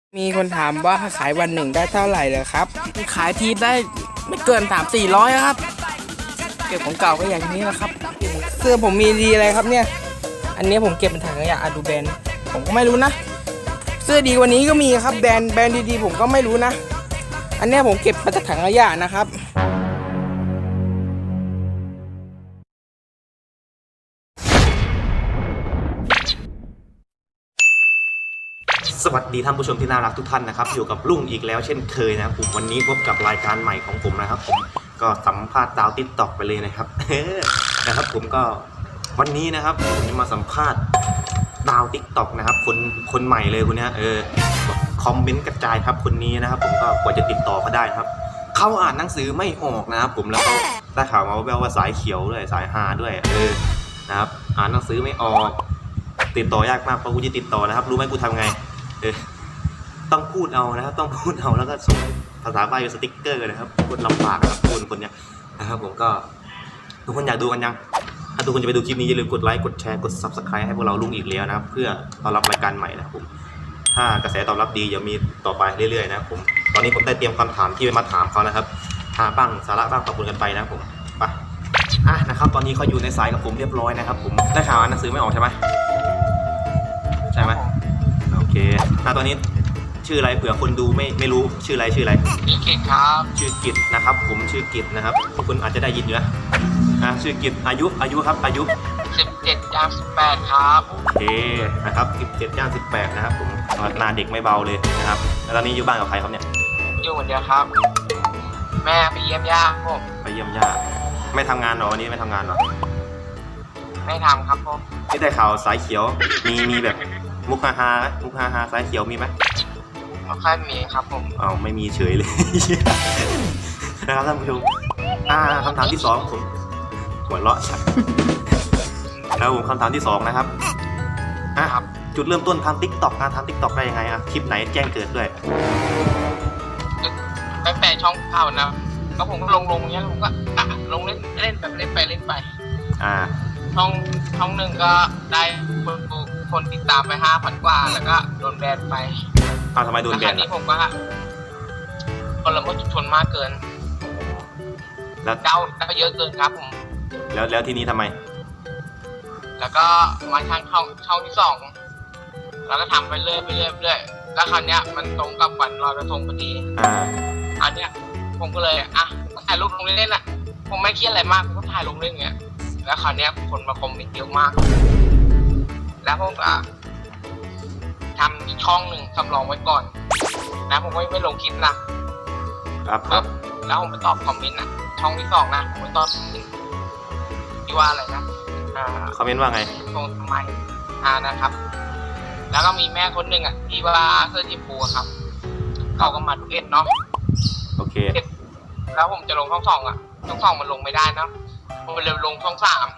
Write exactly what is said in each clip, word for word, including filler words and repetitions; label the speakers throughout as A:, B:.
A: มีคนถามว่าขายวันหนึ่งได้เท่าไหร่เลยครับขายทีได้ไม่เกินสามสี่ร้อยครับเก็บของเก่าก็อย่างนี้แหละครับเสื้อผมมีดีอะไรครับเนี่ยอันนี้ผมเก็บเป็นถังขยะอะดูแบรนด์ผมก็ไม่รู้นะเสื้อดีกว่านี้ก็มีครับแบรนด์แบรนด์ดีๆผมก็ไม่รู้นะอันนี้ผมเก็บมาจากถังขยะนะครับ
B: สวัสดีท่านผู้ชมที่น่ารักทุกท่านนะครับอยู่กับลุงอีกแล้วเช่นเคยนะครับผมวันนี้พบกับรายการใหม่ของผมนะครับผมก็สัมภาษณ์ดาวติ๊กต็อกไปเลยนะครับ นะครับผมก็วันนี้นะครับผมจะมาสัมภาษณ์ดาวติ๊กต็อกนะครับคนคนใหม่เลยคนนี้เออคอมเมนต์กระจายครับคนนี้นะครับผมก็กว่าจะติดต่อเขาได้ครับเขาอ่านหนังสือไม่ออกนะครับผมแล้วก็ได้ข่าวมาแววว่าสายเขียวด้วยสายฮาด้วยเออนะครับอ่านหนังสือไม่ออกติดต่อยากมากเพราะกูจะติดต่อนะครับรู้ไหมกูทำไงเออต้องพูดเอานะครับต้องพูดเอาแล้วก็ส่งภาษาใบสติ๊กเกอร์นะครับพูดลำบากนะครับคนคนเนี้ยนะครับผมก็ทุกคนอยากดูกันยังถ้าทุกคนจะไปดูคลิปนี้อย่าลืมกดไลค์กดแชร์กด ซับสไครบ์ ให้พวกเราลุงอีกแล้วนะครับเพื่อต้อนรับรายการใหม่นะครับผมถ้ากระแสตอบรับดีจะมีต่อไปเรื่อยๆนะครับผมตอนนี้ผมได้เตรียมคำถามที่ไปมาถามเขานะครับหาบ้างสาระบ้างตอบกันไปนะครับผมไปอ่ะนะครับตอนนี้เขาอยู่ในสายกับผมเรียบร้อยนะครับผมได้ข่าวอ่านหนังสือไม่ออกใช่ไหมใช่ไหมโอเคอ่ะตอนนี้ชื่ออะไรเผื่อคนดูไม่ไม่รู้ชื่ออะไรชื่ออะไร
C: ชื่อกิจครับ
B: ชื่อกิจนะครับผมชื่อกิจนะครับคุณอาจจะได้ยินอยู่นะอ่ะชื่อกิจอายุอายุครับอายุ
C: สิบเจ็ดย่างสิบแปดครับ
B: โอเคนะครับสิบเจ็ดย่างสิบแปดนะครับผมหน้าเด็กไม่เบาเลยนะครับแล้วตอนนี้อยู่บ้านกับใครครับเนี่ย
C: อยู่คนเดียวครับแม่ไปเยี่ยมย่าผม
B: ไปเยี่ยมย่าไม่ทำงานหรอวันนี้ไม่ทำงานหรอ
C: ไม่ทำครับผม
B: ที่ได้ข่าวสายเขียวมีมีแบบมุกฮาฮามุกฮาฮาสายเขียวมีไหม
C: ไม่ค่อยมีครับผม
B: อ้าวไม่มีเฉยเลยนะครับท่านผู้ชมอ่าคำถามที่สองผมหัวเราะชัดแล้วผมคำถามที่สองนะครับอ่ะจุดเริ่มต้นทำติ๊กต็อกนะทำติ๊กต็อกได้ยังไงอ่ะคลิปไหนแจ้งเกิดด้วย
C: ตั้งแต่ช่องเก่านะก็ผมก็ลงลงเนี้ยผมก็ลงเล่นเล่นแบบเล่นไปเล่นไป
B: อ่า
C: ช่องช่องหนึ่งก็ได้คนคนติดตามไปห้าพันกว่าแล้วก็โดนแบนไป
B: อ้าวทำไมโดนแบน
C: อันนี้ผมก็คนละเมิดชุมชนมากเกิน
B: แล้ว
C: เก้าแล้วเยอะเกินครับผม
B: แล้วแล้วทีนี้ทำไม
C: แล้วก็มาทางช่องช่องที่สองแล้วก็ทำไปเรื่อยไปเรื่อยไปเรื่อยแล้วคราวนี้มันตรงกับวันลอยกระทงพอดี
B: อ่า
C: อันเนี้ยผมก็เลยอ่ะถ่ายรูปลงเล่นๆอ่ะผมไม่เครียดอะไรมากผมก็ถ่ายลงเล่นเงี้ยแล้วคราวนี้คนมาคอมเมนต์เยอะมากแล้วผมก็ทำอีกช่องหนึ่งสำรองไว้ก่อนนะผมไม่ไม่ลงคลิปนะครับครับแล้วผมไปตอบคอมเมนต์นะช่องที่สองนะผมไปตอบที่ว่าอะไรนะอ่า
B: คอมเมนต์ว่าไง
C: ตรงทำไมอ่านะครับแล้วก็มีแม่คนหนึ่งอ่ะที่ว่าเสื้อจีพูครับเขาก็มาดูเอ็ดเนาะ
B: โอเค
C: แล้วผมจะลงช่องสองอ่ะช่องสองมันลงไม่ได้นะผมเลยลงช่องสาม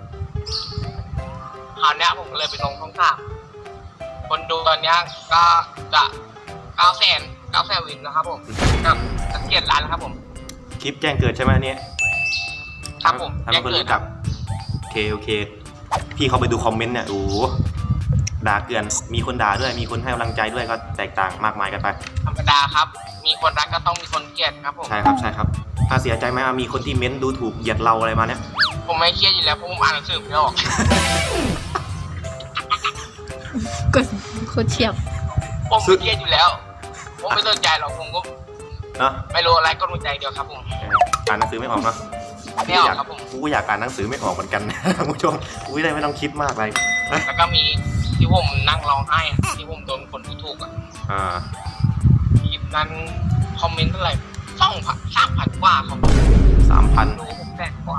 C: คราวนี้ผมก็เลยไปลงช่องสามคนดูตอนนี้ก็จะเก้าแสนเก้าแสนวินนะครับผมกับสังเกตร้านนะครับผม
B: คลิปแจ้งเกิดใช่ไหมเนี่ย
C: ครับผม
B: แจ้งเกิดครับโอเคโอเคพี่เขาไปดูคอมเมนต์เนี่ยโอ้ด่าเกินมีคนด่าด้วยมีคนให้กำลังใจด้วยก็แตกต่างมากมายกันไป
C: ธรรมดาครับมีคนรักก็ต้องมีคนเกลียดครับผม
B: ใช่ครับใช่ครับถ้าเสียใจไหมมีคนที่เม้นดูถูกเหยียดเราอะไรมาเนี่ย
C: ผมไม่เครียดอยู่แล้วเพราะผมอ่านหนังสือไม่ออก
D: กดโคตรเฉียบ
C: ผมไม่เครียดอยู่แล้วผมไม่สนใจหรอกผมก็ไม่รู้อะไรก็รู้ใจเดียวครับผม
B: อ่านหนังสือไม่ออกเนาะ
C: ไม่ออกครับผม
B: กูก็อยากอ่านหนังสือไม่ออกเหมือนกันท่านผู้ชมกูได้ไม่ต้องคิดมากเลย
C: แล้วก็มีที่ผมนั่งร้องไห้ที่ผมโดนคนดูถูกอ่ะ
B: อ่า
C: คลิปนั้นคอมเมนต์เท่าไหร่สองพันสามพันกว่าครับ
B: สามพัน
C: ดูผมแสนกว่า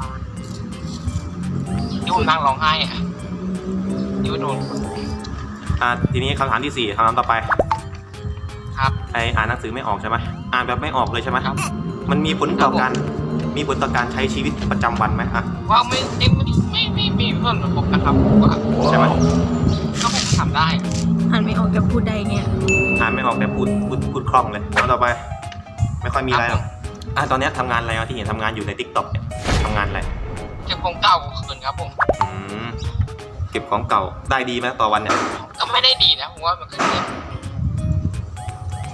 C: ที่ผมนั่งร้องไห้อ่ะที่โดน
B: อ่าทีนี้คำถามที่สี่คำถามต่อไป
C: ครับ
B: ไออ่านหนังสือไม่ออกใช่ไหมอ่านแบบไม่ออกเลยใช่ไหมครับมันมีผลต่อการมีผลต่อการใช้ชีวิตประจำวันไหมอ่ะ
C: ว่าไม่ไม่ไม่ไม่มีผลกระทบนะครับ
B: ใช่ไหม
C: ก็ผมทำได้
D: อ่านไม่ออกแต่พูดได้เนี่ย
B: อ่านไม่ออกแต่พูดพูดพูดคล่องเลยแล้วต่อไปไม่ค่อยมีอะไรหรอกอ่ะตอนนี้ทำงานอะไรที่เห็นทำงานอยู่ใน ติ๊กต็อก เนี่ยทำงานอะไร
C: เก็บของเก่าคืนครับผม
B: อืมเก็บของเก่าได้ดีไหมต่อวันเนี่ย
C: ก็ไม่ได้ดีนะผมว่ามันก็เก็บ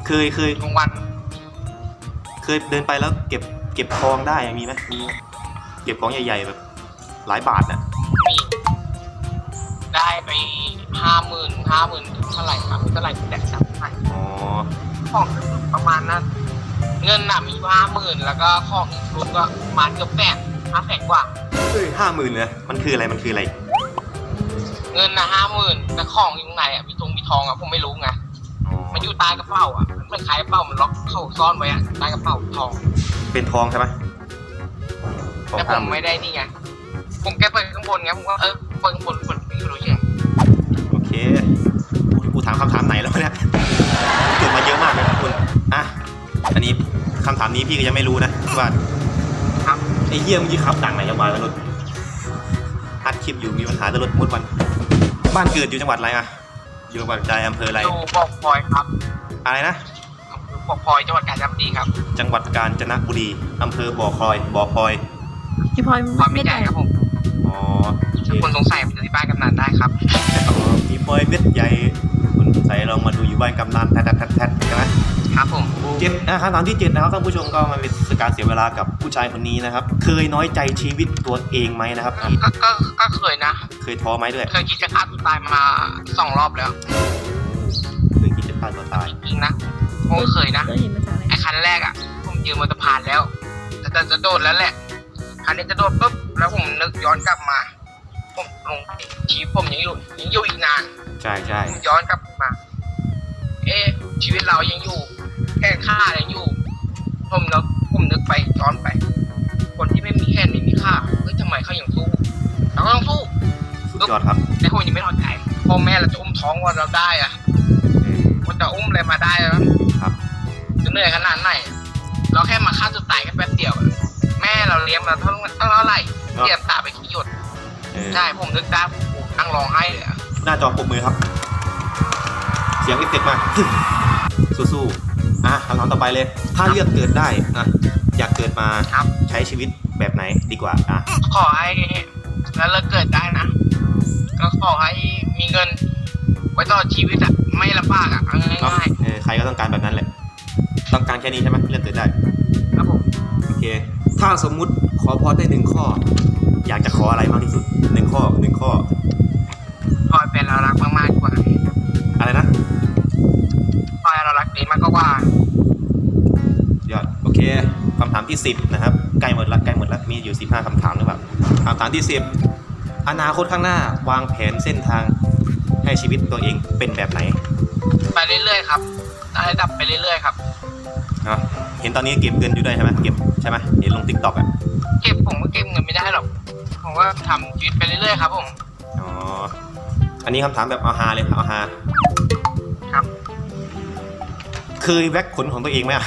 B: เคยเคย
C: กลางวัน
B: เคยเดินไปแล้วเก็บเก็บทองได้มีไหมมีเก็บของใหญ่ๆแบบหลายบาทน่ะ
C: มีได้ไปห้าหมื่นห้าหมื่นเท่าไหร่ครับเท่าไหร่แต่จำไม่ได้
B: อ๋อ
C: ของประมาณนั้นเงินน่ะมีห้าหมื่นแล้วก็ของอีกรวมก็ประมาณเกือบแสนห้าแสนกว่า
B: เฮ้ยห้าหมื่นเลยมันคืออะไรมันคืออะไร
C: เงินน่ะห้าหมื่นแต่ของอยู่ข้างในอ่ะมีทงมีทองอ่ะผมไม่รู้ไง
B: อ๋อ
C: มันอยู่ใต้กระเป๋าอ่ะมันไม่คล้ายกระเป๋ามันล็อกเข้าซ่อนไว้อ่ะใต้กระเป๋าทอง
B: เป็นทองใช่ไหมทอง
C: แต่ผ
B: ห้าม หมื่
C: ไม่
B: น
C: ได้นี่ไงผมแค่เปิดข้างบนไงผมก็เออเปิดข้างบนบนไม่รู้ยัง
B: โอเคกูถามคำถามไหนแล้วเนี่ยเกิดมาเยอะมากเลยนะคุณอ่ะอันนี้คำถามนี้พี่ก็ยังไม่รู้นะว่า
C: ครับ
B: ไอ้เหี้ยมึงยี่ขับดังไหนจังหวัดแล้วรถอัดคลิปอยู่มีปัญหาจะรถมุดวันบ้านเกิดอยู่จังหวัดอะไรอะอยู่จังหวัดใดอำเภออะไร
C: ดูบอกพลอยครับ
B: อะไรนะ
C: อำเภอบอกพลอยจังหวัดกาญจนบุรีครับ
B: จังหวัดกาญจนบุรีอำเภอบ่อคอยบ่อคอย
D: พี่พลอย
C: พลอย
D: ไม่
C: ไม่ให
D: ได้
C: ญ่ครับผม
B: อ๋อโอเค
C: ถ้าคนสงสัยไปที่บ้านกำนันได้ครับ
B: อ๋อมีปอยเม็ดใหญ่คุณใส่ลองมาดูอยู่บ้านกำนันแทดแทดแทดใช่ไหม
C: ครับผม
B: เจ็ดอ่ะคำถามที่เจ็ดนะครับท่านผู้ชมก็มาเป็นการเสียเวลากับผู้ชายคนนี้นะครับ เคยน้อยใจชีวิตตัวเองไหมนะครับ
C: ก็ก็ก็เคยนะ
B: เคยท้อไหมด้วย
C: เคยคิดจะฆ่าตัวตายมาสองรอบแล้ว
B: เคยคิดจะฆ่าตัวตาย
C: จริงๆนะผมก็เคยนะ
D: ก็เห็นมาจากอะไร
C: ไอ้คันแรกอ่ะผมยืนบนสะพานแล้วจะจะจะโดดแล้วแหละคันนี้จะโดดปุ๊บแล้วผมนึกย้อนกลับมา ผมลงชีวิตผมยังอยู่ยังอยู่อีกนาน
B: ใช่ใช่
C: ผมย้อนกลับมา เอ๊ะชีวิตเรายังอยู่แค่ค่ายังอยู่ ผมนึกผมนึกไปย้อนไป คนที่ไม่มีแค่ไม่มีค่าเฮ้ยทำไมเขายังสู้เราก็ต้องสู้
B: สุดยอดครับ
C: แต่ผมยังไม่ท้อใจพ่อแม่เราจะอุ้มท้องว่าเราได้อะ
B: เออ
C: มันจะอุ้มอะไรมาได้อะ
B: ครับ
C: จะเหนื่อยขนาดไหนเราแค่มาฆ่าตัวตายกันแป๊บเดียวอะแม่เราเลี้ยงมาเท่าเท่าไหร่เสียตาไปขี้หยด
B: เออ
C: ใช่ผมนึกได้ผมนั่งร้องไห้เลยอะ
B: หน้าจอปรบมือครับ เสียงเอฟเฟกต์มา สู้ๆอ่ะคำถามต่อไปเลย ถ้าเลือกเกิดได้อ่ะอยากเกิดมา
C: ครับ
B: ใช้ชีวิตแบบไหนดีกว่าอ่ะ
C: ขอให้แล้วเราเกิดได้นะ ก็ขอให้มีเงิน ไว้ต่อชีวิตอะไม่ลำบากอะเอา
B: เนาะ
C: ง่าย
B: เออใครก็ต้องการแบบนั้นแหละ ต้องการแค่นี้ใช่ไหมเลือกเกิดได้
C: ๆครับผม
B: โอเค ถ้าสมมุติขอพรได้หนึ่งข้อ อยากจะขออะไรมากที่สุดหนึ่งข้อหนึ่งข้อ
C: พอยเป็นเรารักมากๆกว่า
B: อะไรนะ
C: พอยเรารักดีมากกว่า
B: ยอด โอเคคำถามที่สิบนะครับ ใกล้หมดละใกล้หมดละมีอยู่สิบห้าคำถามหรือเปล่าคำถามที่สิบอนาคตข้างหน้าวางแผนเส้นทางให้ชีวิตตัวเองเป็นแบบไหน
C: ไปเรื่อยๆครับระดับไปเรื่อยๆครับ
B: เนาะเห็นตอนนี้เก็บเงินอยู่ด้วยใช่ไหมเก็บใช่ไหมเห็นลงติ๊กต็อกอ่ะ
C: เก็บผมก็เก็บเงินไม่ได้หรอก ผมก็ทำชีวิตไปเรื่อยๆครับผม
B: อ๋อ อันนี้คำถามแบบเอาฮาเลยเอาฮา
C: ครับ
B: เคยแว็กขนของตัวเองไหมอะ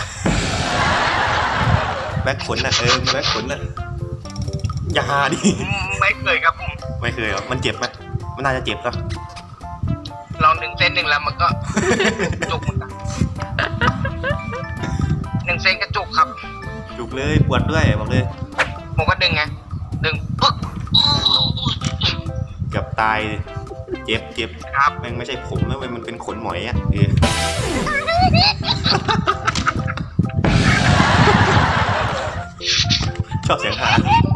B: แว็กขนน่ะเออแว็กขนน่ะอย่าฮาดิ
C: ไม่เคยครับผม
B: ไม่เคยหรอมันเจ็บไหมมันน่าจะเจ็บนะ
C: ลองดึงเส้นหนึ่งแล้วมันก็ จุกเหมือนกันหนึ่งเส้นก็จุกครับ
B: จุกเลยปวดด้วยบอกเลย
C: ผมก็ดึงไง ดึงปึ๊ก
B: เกือบตายเจ็บเจ็บ
C: ครับ
B: แม่งไม่ใช่ผมนะเว้ยมันเป็นขนหมอยอ่ะเออ ชอบเสียงฮา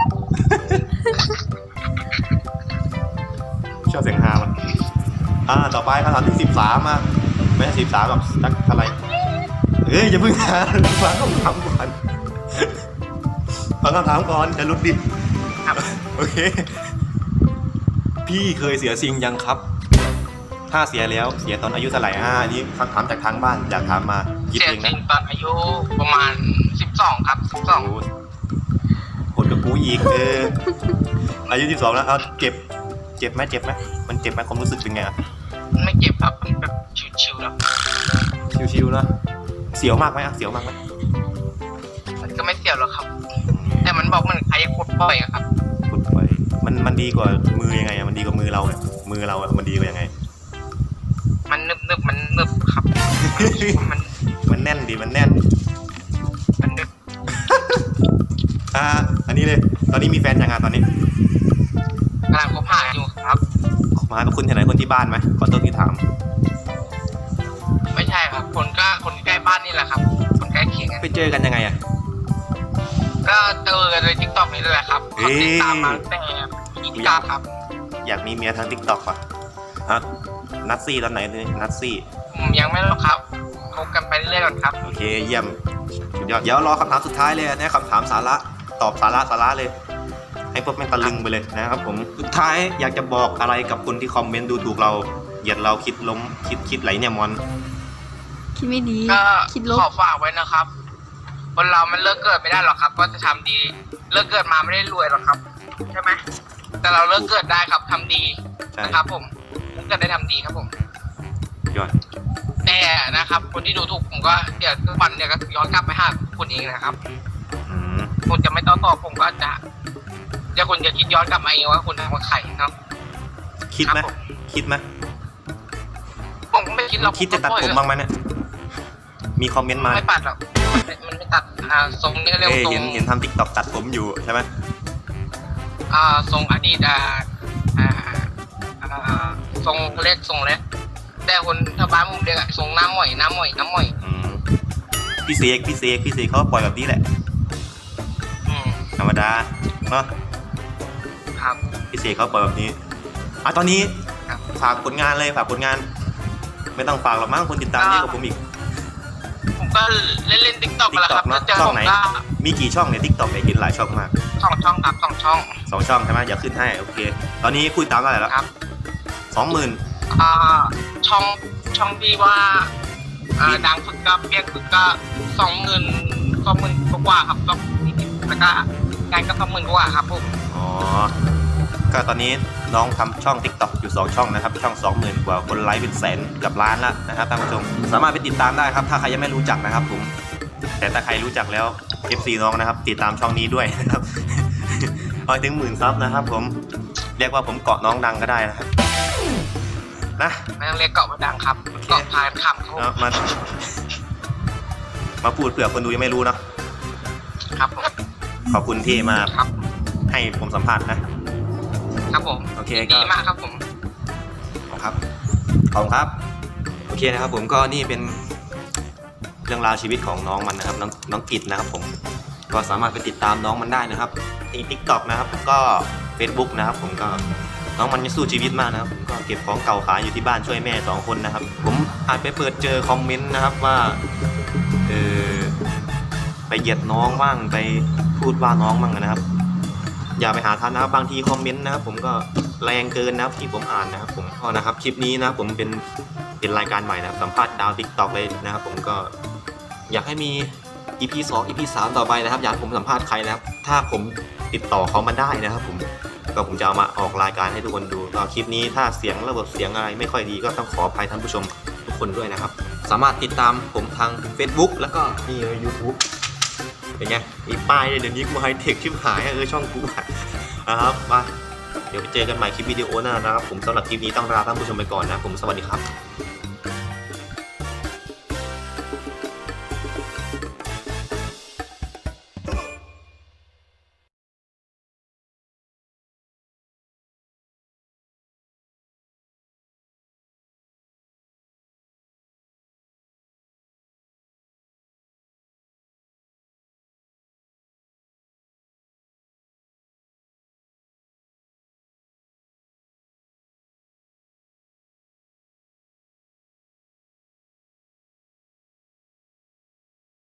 B: ชอบเสียงฮามันอ่าต่อไปคำถามที่สิบสามมาไม่ใช่สิบสามแบบสักเท่าไหร่เอ้ยอย่าเพิ่งหาฟังคำถามก่อนฟังคำถามก่อนจะรุดดิ
C: ครับ
B: โอเค พี่เคยเสียซิงยังครับ ถ้าเสียแล้วเสียตอนอายุเท่าไหร่อ่าอันนี้คำถามจากทางบ้านอยากถามมาคิด
C: เสีย
B: เอง
C: จริ
B: นะ
C: งตอนอายุประมาณสิบสองครับสิบสอง
B: โอ้โหดกับกูอีกเอออายุสิบสองแล้วเอาเจ็บเจ็บไหมเจ็บไหมมันเจ็บไหมความรู้สึกเป็นไงอ่ะ
C: ไม่เจ็บครับมันแบบชิวๆแล้ว
B: ชิวๆนะเสียวมากไหมอ่ะเสียวมากไหม
C: มันก็ไม่เสียวหรอกครับ แต่มันบอกมันใครจะขุดบ่อยอะครับ
B: ขุดไปมันมันดีกว่ามือยังไงอ่ะมันดีกว่ามือเราเนี่ยมือเราอ่ะมันดีกว่ายังไง
C: มันนึบนึบๆมันนึบครับ มัน
B: มันแน่นดีมันแน่น
C: มันนึบ
B: อ่าอันนี้เลยตอนนี้มีแฟนยังไงตอนนี้
C: กำลังคบหาอยู่ครับ
B: มากับคุณที่ไหนคนที่บ้านไหมขอโทษที่ถาม
C: ไม่ใช่ครับ คนก็คนใกล้บ้าน
B: เจอกันยังไงอะ
C: ก็เจอกันในทิกตอกนี่แหละครับกดติดตามมาตั้งแต่ยี่สิบเก้าครับ
B: อยากมีเมียทางทิกตอกป่ะฮะนัดซี่ตอนไหนนัดซี่
C: ผมยังไม่รู้ครับคบกันไปเรื่อยๆก่อนครับ
B: โอเคเยี่ยมสุดยอดเดี๋ยวรอคำถามสุดท้ายเลยนะคำถามสาระตอบสาระสาระเลย ให้พวกแม่งตะลึงไปเลยนะครับผมสุดท้ายอยากจะบอกอะไรกับคนที่คอมเมนต์ดูถูกเราเหยียดเราคิดล้มคิดคิดไหลเนี่ยมอน
D: คิดไม่ดี
C: ก็
D: คิดลบ
C: ขอฝากไว้นะครับคนเรามันเลิกเกิดไม่ได้หรอกครับ ก็จะทำดีเลิกเกิดมาไม่ได้รวยหรอกครับใช่ไหมแต่เราเลิกเกิดได้ครับทำดี
B: ใช่
C: นะครับ ผมผมเกิดได้ทำดีครับผม
B: ยอด
C: แต่นะครับ คนที่ดูถูกผมก็เดี๋ยวทุกวันเนี่ยก็ย้อนกลับไปหาคุณเองนะครับ
B: อืม
C: คุณจะไม่ต้องตอบผมก็จะเดี๋ยวคุณจะคิดย้อนกลับมาเองว่าคุณทำกับใครเนาะ
B: คิดไหม
C: ครับผม
B: คิดไหม
C: ผมก็ไม่คิดหรอก
B: คิดจะตัดผมบ้างไหมเนี่ยมีคอมเมนต์มา
C: ไม่ปัดหรอกมันไม่มันไม่ตัดอ่าทรงนี้ก็เรียก
B: เอ้
C: ว่าย ทรง
B: เห็นเห็นทำติ๊กต็อกตัดผมอยู่ใช่ไหม
C: อ่าทรงอดีตอ่าอ่าอ่าทรงเล็กทรงเล็กแต่คนชาวบ้านมุมเรียกอะทรงน้ำหม่อยน้ำหม่อยน้ำหม่อย
B: อืมพี่เสกพี่เสกพี่เสกเขาก็ปล่อยแบบนี้แหละ
C: อืม
B: ธรรมดาเนาะ
C: ครับ
B: พี่เสกเขาปล่อยแบบนี้อ่ะตอนนี้
C: ครับ
B: ฝากผลงานเลยฝากผลงาน ไม่ต้องฝากหรอกมั้งคนติดตามเยอะกว่าผมอีก
C: ผมก็เล่นเล่นติ๊กต็อกกันแหละครับ
B: TikTok เนอะ
C: เจอ
B: ช่อง
C: ผม
B: ไหน
C: ก็
B: มีกี่ช่องเนี่ยทิกตอกเนี่ยเห็นหลายช่องมาก
C: สองช่องครับสองช่อง
B: สองช่องใช่ไหมอย่าขึ้นให้โอเค ตอนนี้คุยตามเท่าไหร่แล้ว
C: ครับ
B: สองหมื่น
C: อ่าช่องช่องที่ว่าอ่าดังสุดก็เพียงสุดก็สองหมื่นสองหมื่นกว่าๆครับก็แล้วก็งานก็สองหมื่นกว่าครับผม
B: อ๋อก็ตอนนี้น้องทำช่อง TikTok อยู่สองช่องนะครับช่อง สองหมื่น กว่าคนไลค์เป็นแสนกับล้านแล้วนะครับท่านผู้ชมสามารถไปติดตามได้ครับถ้าใครยังไม่รู้จักนะครับผมแต่ถ้าใครรู้จักแล้ว เอฟ ซี น้องนะครับติดตามช่องนี้ด้วยนะครับ พอถึงหมื่นซับนะครับผมเรียกว่าผมเกาะน้องดังก็ได้นะครับนะ
C: ไม่ต้องเรียกเกาะมาดังครับเกาะพายคำครับผม
B: เอามามาพูดเผื่อคนดูยังไม่รู้เนาะ
C: ครับผม
B: ขอบคุณที่มา
C: ครับ
B: ให้ผมสัมภาษณ์นะครับ
C: ผม
B: โอเคก็
C: ดีมากครับผม
B: ครับขอบคุณครับโอเคนะครับผมก็นี่เป็นเรื่องราวชีวิตของน้องมันนะครับน้องน้องกิจนะครับผมก็สามารถไปติดตามน้องมันได้นะครับที่ TikTok นะครับก็ Facebook นะครับผมก็น้องมันยังสู้ชีวิตมากนะครับผมก็เก็บของเก่าขายอยู่ที่บ้านช่วยแม่สองคนนะครับผมอาจไปเปิดเจอคอมเมนต์นะครับว่าเออไปเหยียดน้องบ้างไปพูดว่าน้องบ้างนะครับอย่าไปหาทานนะครับบางทีคอมเมนต์นะครับผมก็แรงเกินนะครับที่ผมอ่านนะครับผมก็นะครับคลิปนี้นะครับผมเป็นเป็นรายการใหม่นะครับสัมภาษณ์ดาว TikTok เลยนะครับผมก็อยากให้มี อี พี สอง อี พี สาม ต่อไปนะครับอยากให้ผมสัมภาษณ์ใครนะครับถ้าผมติดต่อเขามาได้นะครับผมก็ผมจะเอามาออกรายการให้ทุกคนดูก็คลิปนี้ถ้าเสียงระบบเสียงอะไรไม่ค่อยดีก็ต้องขออภัยท่านผู้ชมทุกคนด้วยนะครับสามารถติดตามผมทาง Facebook แล้วก็นี่เลย YouTube เป็นไงมีป้ายเลยเดี๋ยวนี้กูไฮเทคชิบหายเออช่องกูอะนะครับมาเดี๋ยวไปเจอกันใหม่คลิปวิดีโอหน้านะครับผมสำหรับคลิปนี้ต้องลาท่านผู้ชมไปก่อนนะผมสวัสดีครับ